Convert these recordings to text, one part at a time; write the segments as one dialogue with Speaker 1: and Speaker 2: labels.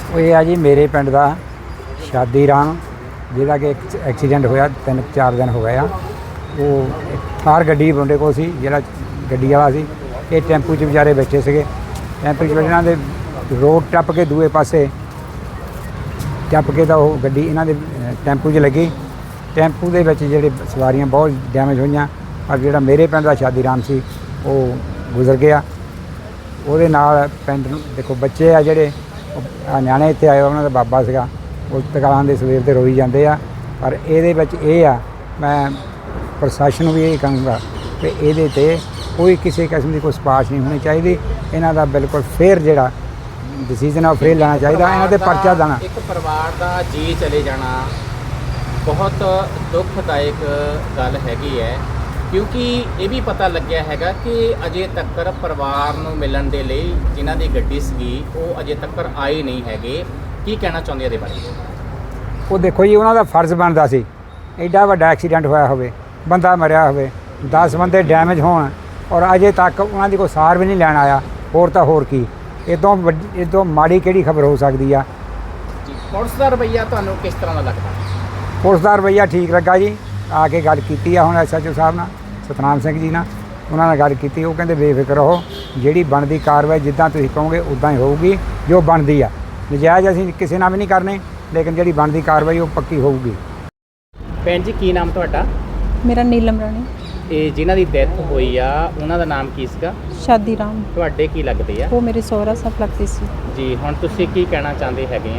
Speaker 1: ਇਹ ਆ ਜੀ ਮੇਰੇ ਪਿੰਡ ਦਾ ਸ਼ਾਦੀ ਰਾਮ, ਜਿਹਦਾ ਕਿ ਇੱਕ ਐਕਸੀਡੈਂਟ ਹੋਇਆ 3-4 ਦਿਨ ਹੋ ਗਏ ਆ। ਉਹ ਥਾਰ ਗੱਡੀ ਮੁੰਡੇ ਕੋਲ ਸੀ, ਜਿਹੜਾ ਗੱਡੀ ਵਾਲਾ ਸੀ। ਇਹ ਟੈਂਪੂ 'ਚ ਵਿਚਾਰੇ ਬੈਠੇ ਸੀਗੇ। ਟੈਂਪੂ 'ਚ ਇਹਨਾਂ ਦੇ ਰੋਡ ਟੱਪ ਕੇ ਦੂਏ ਪਾਸੇ ਟੱਪ ਕੇ ਤਾਂ ਉਹ ਗੱਡੀ ਇਹਨਾਂ ਦੇ ਟੈਂਪੂ 'ਚ ਲੱਗੀ। ਟੈਂਪੂ ਦੇ ਵਿੱਚ ਜਿਹੜੇ ਸਵਾਰੀਆਂ ਬਹੁਤ ਡੈਮੇਜ ਹੋਈਆਂ, ਪਰ ਜਿਹੜਾ ਮੇਰੇ ਪਿੰਡ ਦਾ ਸ਼ਾਦੀ ਰਾਮ ਸੀ ਉਹ ਗੁਜ਼ਰ ਗਿਆ। ਉਹਦੇ ਨਾਲ ਪਿੰਡ ਨੂੰ ਦੇਖੋ ਬੱਚੇ ਆ ਜਿਹੜੇ ਨਿਆਣੇ ਇੱਥੇ ਆਏ, ਉਹਨਾਂ ਦਾ ਬਾਬਾ ਸੀਗਾ, ਉਹ ਤਕਾਲਾਂ ਦੇ ਸਵੇਰ ਦੇ ਰੋਈ ਜਾਂਦੇ ਆ। ਪਰ ਇਹਦੇ ਵਿੱਚ ਇਹ ਆ, ਮੈਂ ਪ੍ਰਸ਼ਾਸਨ ਨੂੰ ਵੀ ਇਹ ਕਹਾਂਗਾ ਕਿ ਇਹਦੇ 'ਤੇ ਕੋਈ ਕਿਸੇ ਕਿਸਮ ਦੀ ਕੋਈ ਸਿਫਾਰਿਸ਼ ਨਹੀਂ ਹੋਣੀ ਚਾਹੀਦੀ। ਇਹਨਾਂ ਦਾ ਬਿਲਕੁਲ ਫੇਰ ਜਿਹੜਾ ਡਿਸੀਜ਼ਨ ਆ ਉਹ ਫੇਰ ਲੈਣਾ ਚਾਹੀਦਾ। ਇਹਨਾਂ ਦੇ ਪਰਚਾ ਦੇਣਾ।
Speaker 2: ਇੱਕ ਪਰਿਵਾਰ ਦਾ ਜੀ ਚਲੇ ਜਾਣਾ ਬਹੁਤ ਦੁਖਦਾਇਕ ਗੱਲ ਹੈਗੀ ਹੈ, ਕਿਉਂਕਿ ਇਹ ਵੀ ਪਤਾ ਲੱਗਿਆ ਹੈਗਾ ਕਿ ਅਜੇ ਤੱਕ ਪਰਿਵਾਰ ਨੂੰ ਮਿਲਣ ਦੇ ਲਈ ਜਿਨ੍ਹਾਂ ਦੀ ਗੱਡੀ ਸੀਗੀ ਉਹ ਅਜੇ ਤੱਕ ਆਏ ਨਹੀਂ ਹੈਗੇ। ਕੀ ਕਹਿਣਾ ਚਾਹੁੰਦੇ ਇਹਦੇ ਬਾਰੇ?
Speaker 1: ਉਹ ਦੇਖੋ ਜੀ, ਉਹਨਾਂ ਦਾ ਫਰਜ਼ ਬਣਦਾ ਸੀ, ਐਡਾ ਵੱਡਾ ਐਕਸੀਡੈਂਟ ਹੋਇਆ ਹੋਵੇ, ਬੰਦਾ ਮਰਿਆ ਹੋਵੇ, 10 ਬੰਦੇ ਡੈਮੇਜ ਹੋਣ, ਔਰ ਅਜੇ ਤੱਕ ਉਹਨਾਂ ਦੀ ਕੋਈ ਸਾਰ ਵੀ ਨਹੀਂ ਲੈਣ ਆਇਆ। ਹੋਰ ਤਾਂ ਹੋਰ ਕੀ, ਇਹ ਤੋਂ ਮਾੜੀ ਕਿਹੜੀ ਖਬਰ ਹੋ ਸਕਦੀ ਆ।
Speaker 2: ਪੁਲਿਸ ਦਾ ਰਵੱਈਆ ਤੁਹਾਨੂੰ ਕਿਸ ਤਰ੍ਹਾਂ ਦਾ ਲੱਗਦਾ?
Speaker 1: ਪੁਲਿਸ ਦਾ ਰਵੱਈਆ ਠੀਕ ਲੱਗਾ ਜੀ। ਆ ਕੇ ਗੱਲ ਕੀਤੀ ਆ ਹੁਣ SHO ਸਾਹਿਬ ਨਾਲ, ਸਤਨਾਮ ਸਿੰਘ ਜੀ ਨਾਲ, ਉਹਨਾਂ ਨਾਲ ਗੱਲ ਕੀਤੀ। ਉਹ ਕਹਿੰਦੇ ਬੇਫਿਕਰ ਰਹੋ, ਜਿਹੜੀ ਬਣਦੀ ਕਾਰਵਾਈ ਜਿੱਦਾਂ ਤੁਸੀਂ ਕਹੋਗੇ ਉੱਦਾਂ ਹੀ ਹੋਊਗੀ, ਜੋ ਬਣਦੀ ਆ। ਨਜਾਇਜ਼ ਅਸੀਂ ਕਿਸੇ ਨਾਲ ਵੀ ਨਹੀਂ ਕਰਨੇ, ਲੇਕਿਨ ਜਿਹੜੀ ਬਣਦੀ ਕਾਰਵਾਈ ਉਹ ਪੱਕੀ ਹੋਊਗੀ।
Speaker 2: ਭੈਣ ਜੀ, ਕੀ ਨਾਮ ਤੁਹਾਡਾ?
Speaker 3: ਮੇਰਾ ਨੀਲਮ ਰਾਣੀ।
Speaker 2: ਇਹ ਜਿਨ੍ਹਾਂ ਦੀ ਡੈਥ ਹੋਈ ਆ ਉਹਨਾਂ ਦਾ ਨਾਮ ਕੀ ਸੀਗਾ?
Speaker 3: ਸ਼ਾਦੀ ਰਾਮ।
Speaker 2: ਤੁਹਾਡੇ ਕੀ ਲੱਗਦੇ ਆ?
Speaker 3: ਉਹ ਮੇਰੇ ਸਹੁਰਾ ਸਾਹਿਬ ਲੱਗਦੇ ਸੀ
Speaker 2: ਜੀ। ਹੁਣ ਤੁਸੀਂ ਕੀ ਕਹਿਣਾ ਚਾਹੁੰਦੇ ਹੈਗੇ ਆ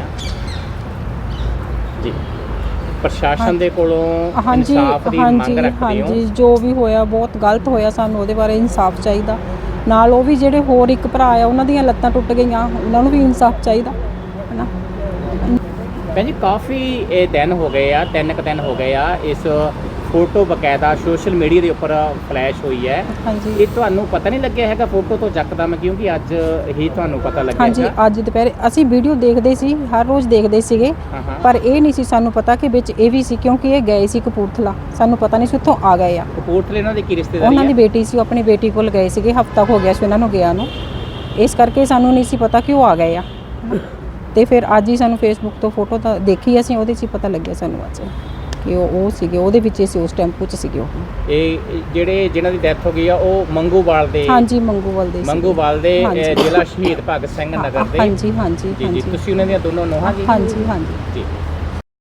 Speaker 2: ਜੀ? ਪ੍ਰਸ਼ਾਸਨ ਦੇ ਕੋਲੋਂ ਇਨਸਾਫ ਦੀ ਮੰਗ ਰੱਖਦੇ ਹੋ?
Speaker 3: ਹਾਂਜੀ, ਜੋ ਵੀ ਹੋਇਆ ਬਹੁਤ ਗਲਤ ਹੋਇਆ, ਸਾਨੂੰ ਉਹਦੇ ਬਾਰੇ ਇਨਸਾਫ ਚਾਹੀਦਾ। ਨਾਲ ਉਹ ਵੀ ਜਿਹੜੇ ਹੋਰ ਇੱਕ ਭਰਾ ਆ, ਉਹਨਾਂ ਦੀਆਂ ਲੱਤਾਂ ਟੁੱਟ ਗਈਆਂ, ਉਹਨਾਂ ਨੂੰ ਵੀ ਇਨਸਾਫ ਚਾਹੀਦਾ ਹੈ ਨਾ।
Speaker 2: ਭੈਣ ਜੀ, ਕਾਫੀ ਇਹ ਦਿਨ ਹੋ ਗਏ ਆ, 3 ਕੁ ਦਿਨ ਹੋ ਗਏ ਆ, ਇਸ ਫੋਟੋ ਬਕਾਇਦਾ ਸੋਸ਼ਲ ਮੀਡੀਆ ਦੇ ਉੱਪਰ ਫਲੈਸ਼ ਹੋਈ ਹੈ।
Speaker 3: ਹਾਂਜੀ।
Speaker 2: ਇਹ ਤੁਹਾਨੂੰ ਪਤਾ ਨਹੀਂ ਲੱਗਿਆ ਹੈਗਾ ਫੋਟੋ ਤੋਂ ਯਕਦਮ, ਕਿਉਂਕਿ ਅੱਜ ਹੀ ਤੁਹਾਨੂੰ ਪਤਾ ਲੱਗਿਆ?
Speaker 3: ਹਾਂਜੀ, ਅੱਜ ਦੁਪਹਿਰੇ ਅਸੀਂ ਵੀਡੀਓ ਦੇਖਦੇ ਸੀ, ਹਰ ਰੋਜ਼ ਦੇਖਦੇ ਸੀਗੇ, ਪਰ ਇਹ ਨਹੀਂ ਸੀ ਸਾਨੂੰ ਪਤਾ ਕਿ ਵਿੱਚ ਇਹ ਵੀ ਸੀ, ਕਿਉਂਕਿ ਇਹ ਗਏ ਸੀ ਕਪੂਰਥਲਾ, ਸਾਨੂੰ ਪਤਾ ਨਹੀਂ ਸੀ ਉੱਥੋਂ ਆ ਗਏ ਆ।
Speaker 2: ਕਪੂਰਥਲੇ ਉਹਨਾਂ ਦੀ ਕੀ ਰਿਸ਼ਤੇਦਾਰੀ?
Speaker 3: ਉਹਨਾਂ ਦੀ ਬੇਟੀ ਸੀ, ਉਹ ਆਪਣੀ ਬੇਟੀ ਕੋਲ ਗਏ ਸੀਗੇ, ਹਫ਼ਤਾ ਹੋ ਗਿਆ ਸੀ ਉਹਨਾਂ ਨੂੰ ਗਿਆ ਨੂੰ, ਇਸ ਕਰਕੇ ਸਾਨੂੰ ਨਹੀਂ ਸੀ ਪਤਾ ਕਿ ਉਹ ਆ ਗਏ ਆ। ਤੇ ਫਿਰ ਅੱਜ ਹੀ ਸਾਨੂੰ ਫੇਸਬੁੱਕ ਤੋਂ ਫੋਟੋ ਤਾਂ ਦੇਖੀ ਅਸੀਂ, ਉਹਦੇ 'ਚ ਹੀ ਪਤਾ ਲੱਗਿਆ ਸਾਨੂੰ ਅੱਜ ਕਿ ਉਹ ਸੀਗੇ, ਉਹਦੇ ਵਿੱਚ ਸੀ, ਉਸ ਟੈਂਪੂ 'ਚ ਸੀਗੇ ਉਹ। ਇਹ
Speaker 2: ਜਿਹੜੇ ਜਿਨ੍ਹਾਂ ਦੀ ਡੈਥ ਹੋ ਗਈ ਆ ਉਹ ਮੰਗੂਵਾਲ ਦੇ?
Speaker 3: ਹਾਂਜੀ, ਮੰਗੂਵਾਲ ਦੇ।
Speaker 2: ਮੰਗੂਵਾਲ ਦੇ ਜ਼ਿਲ੍ਹਾ ਸ਼ਹੀਦ ਭਗਤ ਸਿੰਘ ਨਗਰ ਦੇ?
Speaker 3: ਹਾਂਜੀ ਹਾਂਜੀ।
Speaker 2: ਜੀ। ਤੁਸੀਂ ਉਹਨਾਂ ਦੀਆਂ ਦੋਨੋਂ ਨੂੰਹਾਂ ਜੀ?
Speaker 3: ਹਾਂਜੀ ਹਾਂਜੀ
Speaker 2: ਜੀ।